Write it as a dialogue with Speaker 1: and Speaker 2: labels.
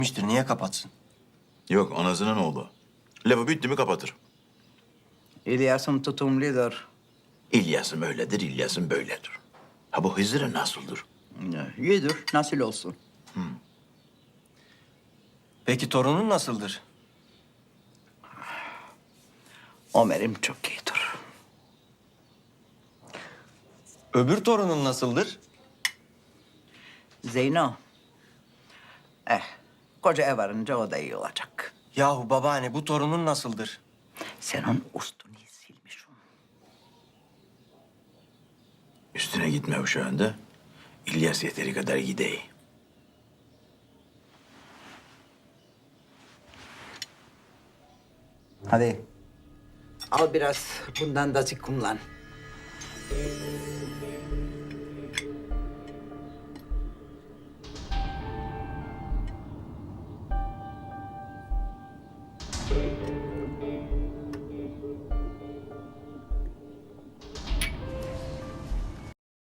Speaker 1: Niye kapatsın?
Speaker 2: Yok, anasının oğlu. Lafı bitti mi kapatır.
Speaker 3: İlyas'ım tutumludur.
Speaker 2: İlyas'ım öyledir, İlyas'ım böyledir. Ha bu Hızır'ın nasıldır?
Speaker 3: İyidir, nasıl olsun.
Speaker 1: Peki torunun nasıldır?
Speaker 3: Ömer'im çok iyidir.
Speaker 1: Öbür torunun nasıldır?
Speaker 3: Zeyno. Koca ev varınca o da iyi olacak.
Speaker 1: Yahu babaanne bu torunun nasıldır?
Speaker 3: Sen onun üstünü silmişsin.
Speaker 2: Üstüne gitme şu anda. İlyas yeteri kadar gidey.
Speaker 3: Hadi. Al biraz bundan da kullan.